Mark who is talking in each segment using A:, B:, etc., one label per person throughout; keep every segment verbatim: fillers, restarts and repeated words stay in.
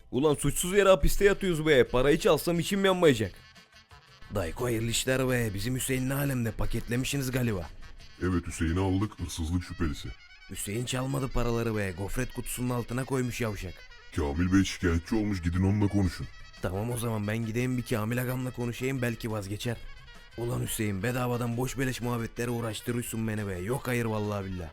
A: Ulan suçsuz yere hapiste yatıyoruz be. Parayı çalsam içim yanmayacak. Dayko hayırlı işler be. Bizim Hüseyin ne alemde, paketlemişsiniz galiba.
B: Evet, Hüseyin'i aldık, hırsızlık şüphelisi.
A: Hüseyin çalmadı paraları be. Gofret kutusunun altına koymuş yavşak.
B: Kamil Bey şikayetçi olmuş, gidin onunla konuşun.
A: Tamam o zaman ben gideyim bir Kamil agamla konuşayım, belki vazgeçer. Ulan Hüseyin, bedavadan boş beleş muhabbetlere uğraştırıyorsun beni be. Yok hayır vallahi billah.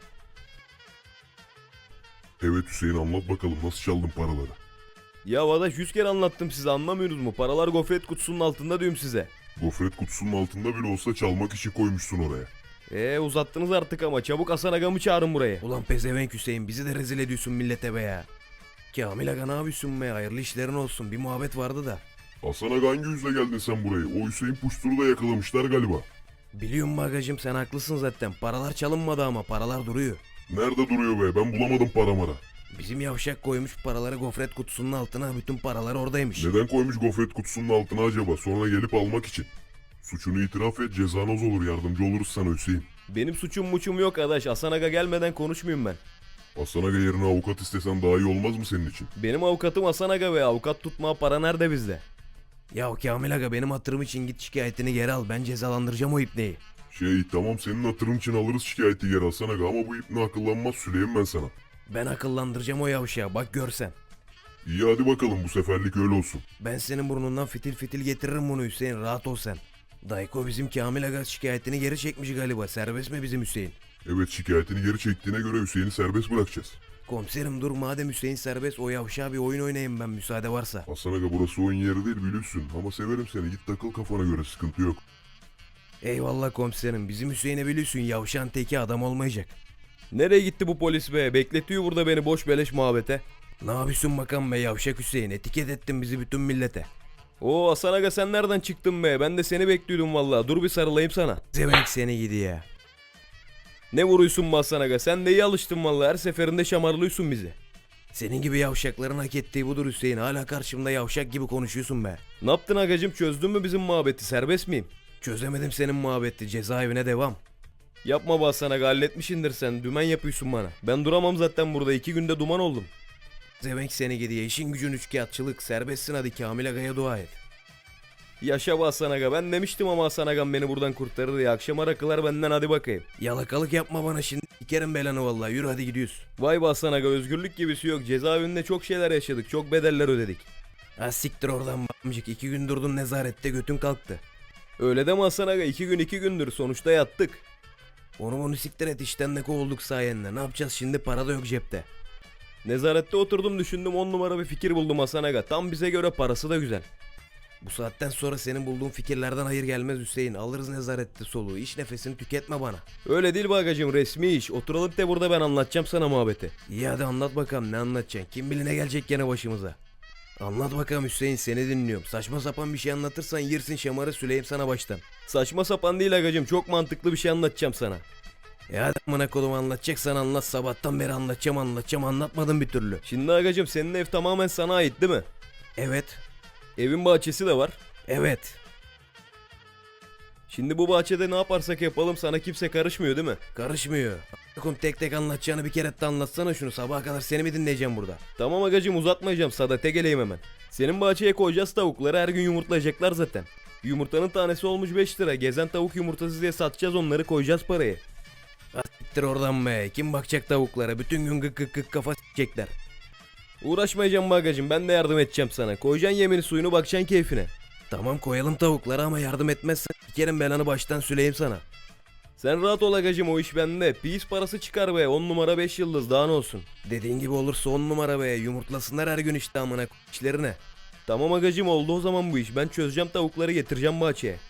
B: Evet Hüseyin, anlat bakalım nasıl çaldın paraları.
A: Ya Adaş, yüz kere anlattım size, anlamıyorsunuz mu? Paralar gofret kutusunun altında diyorum size.
B: Gofret kutusunun altında bile olsa çalmak için koymuşsun oraya.
A: Eee uzattınız artık ama, çabuk Hasan agamı çağırın buraya. Ulan pezevenk Hüseyin, bizi de rezil ediyorsun millete be ya. Kamil aga ne yapıyorsun be, hayırlı işlerin olsun, bir muhabbet vardı da.
B: Hasan Aga, hangi yüzle geldin sen buraya? O Hüseyin Puştur'u da yakalamışlar galiba.
A: Biliyorum bagacım, sen haklısın zaten, paralar çalınmadı ama paralar duruyor.
B: Nerede duruyor be? Ben bulamadım paramara.
A: Bizim yavşak koymuş paraları gofret kutusunun altına, bütün paralar oradaymış.
B: Neden koymuş gofret kutusunun altına acaba? Sonra gelip almak için. Suçunu itiraf et, cezan az olur, yardımcı oluruz sana Hüseyin.
A: Benim suçum muçum yok adaş, Hasan aga gelmeden konuşmayayım ben.
B: Hasan Aga yerine avukat istesen daha iyi olmaz mı senin için?
A: Benim avukatım Hasan aga ve avukat tutmaya para nerede bizde? Ya Kamil aga, benim hatırım için git şikayetini geri al, ben cezalandıracağım o ipneyi.
B: Şey tamam, senin hatırın için alırız şikayeti geri Hasan Aga, ama bu ipne akıllanmaz, süleyim ben sana.
A: Ben akıllandıracağım o yavşağı, bak görsen.
B: İyi hadi bakalım, bu seferlik öyle olsun.
A: Ben senin burnundan fitil fitil getiririm bunu Hüseyin, rahat ol sen. Dayko bizim Kamil aga şikayetini geri çekmiş galiba, serbest mi bizim Hüseyin?
B: Evet, şikayetini geri çektiğine göre Hüseyin'i serbest bırakacağız.
A: Komiserim dur, madem Hüseyin serbest, o yavşağa bir oyun oynayayım ben, müsaade varsa.
B: Hasan Aga, burası oyun yeri değil biliyorsun, ama severim seni, git takıl kafana göre, sıkıntı yok.
A: Eyvallah komiserim, bizim Hüseyin'e biliyorsun yavşağın teki adam olmayacak. Nereye gitti bu polis be, bekletiyor burada beni boş beleş muhabbete. Ne yapıyorsun bakalım be yavşak Hüseyin, etiket ettin bizi bütün millete. Oo Hasan aga, sen nereden çıktın be, ben de seni bekliyordum vallahi, dur bir sarılayım sana. Zevenk seni gidi ya. Ne vuruyorsun be Hasan aga, sen de iyi alıştın vallahi, her seferinde şamarlıyorsun bizi. Senin gibi yavşakların hak ettiği budur Hüseyin, hala karşımda yavşak gibi konuşuyorsun be. Ne yaptın agacım, çözdün mü bizim muhabbeti, serbest miyim? Çözemedim senin muhabbeti, cezaevine devam. Yapma be Hasan aga, halletmişindir sen, dümen yapıyorsun bana. Ben duramam zaten burada, iki günde duman oldum. Zevenk seni gidiyor, işin gücün üçkağıtçılık, serbestsin, hadi Kamil agaya dua et. Yaşa be Hasan aga, ben demiştim ama Hasan agam beni buradan kurtarır ya, akşama rakılar benden, hadi bakayım. Yalakalık yapma bana şimdi, sikerim belanı vallahi, yürü hadi gidiyoruz. Vay be Hasan aga, özgürlük gibisi yok, cezaevinde çok şeyler yaşadık, çok bedeller ödedik. Ha siktir oradan amcık, iki gün durdun nezarette, götün kalktı. Öyle deme Hasan aga, iki gün iki gündür, sonuçta yattık. Onu bunu siktir et, işten de kovulduk sayende, ne yapacağız şimdi, para da yok cepte. Nezarette oturdum düşündüm, on numara bir fikir buldum Hasan aga, tam bize göre, parası da güzel. Bu saatten sonra senin bulduğun fikirlerden hayır gelmez Hüseyin, alırız nezarette soluğu, iş nefesini tüketme bana. Öyle değil bagacım, resmi iş, oturalım de burada, ben anlatacağım sana muhabbeti. İyi hadi anlat bakalım, ne anlatacaksın, kim bilir ne gelecek gene başımıza. Anlat bakalım Hüseyin, seni dinliyorum. Saçma sapan bir şey anlatırsan yersin şamarı, süleyim sana baştan. Saçma sapan değil agacım, çok mantıklı bir şey anlatacağım sana. E hadi amına kodum, anlatacaksan anlat, sabahtan beri anlatacağım anlatacağım, anlatmadın bir türlü. Şimdi agacım, senin ev tamamen sana ait değil mi? Evet. Evin bahçesi de var. Evet. Şimdi bu bahçede ne yaparsak yapalım sana kimse karışmıyor değil mi? Karışmıyor. Bakın tek tek anlatacağını bir kere de anlatsana şunu, sabaha kadar seni mi dinleyeceğim burada? Tamam agacım, uzatmayacağım, sadete geleyim hemen. Senin bahçeye koyacağız tavukları, her gün yumurtlayacaklar zaten. Yumurtanın tanesi olmuş beş lira, gezen tavuk yumurtası diye satacağız onları, koyacağız parayı. Siktir oradan be, kim bakacak tavuklara, bütün gün gık gık gık kafa s**ecekler. Uğraşmayacağım bagacım, ben de yardım edeceğim sana, koyacaksın yemini suyunu, bakacaksın keyfine. Tamam koyalım tavukları ama yardım etmezsen sikerim belanı baştan süleyim sana. Sen rahat ol agacım, o iş bende, pis parası çıkar be, on numara beş yıldız, daha ne olsun. Dediğin gibi olursa on numara be, yumurtlasınlar her gün işte amına işlerine. Tamam agacım, oldu o zaman bu iş, ben çözeceğim tavukları, getireceğim bahçeye.